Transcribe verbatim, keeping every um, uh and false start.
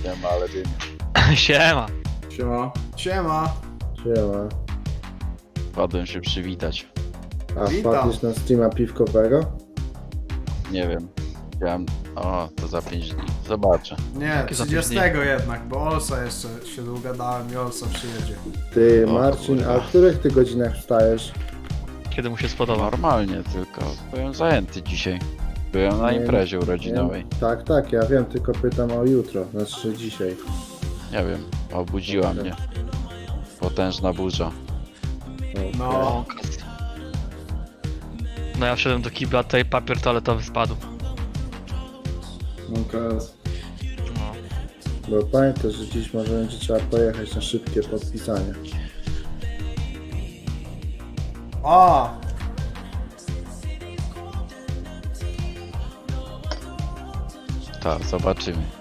Siema, ale ty... Siema. Siema. Siema. Siema. Wpadłem się przywitać. A Witam. wpadniesz na streama piwkowego? Nie wiem. Chciałem... O, to za pięć dni. Zobaczę. Nie, za trzydziestego jednak, bo Olsa jeszcze się dogadałem i Olsa przyjedzie. Ty, O Marcin, kurwa. a w których ty godzinach wstajesz? Kiedy mu się spodoba. Normalnie, tylko byłem zajęty dzisiaj. Byłem na Nie, imprezie nie. urodzinowej. Tak, tak, ja wiem, tylko pytam o jutro, znaczy dzisiaj. Nie wiem, obudziła Dobra. mnie. Potężna burza. No. O, kas- No ja wszedłem do kibla, tutaj papier toaletowy spadł. No kres. No. Bo pamiętaj, że dziś może będzie trzeba pojechać na szybkie podpisanie. A! Tak, zobaczymy.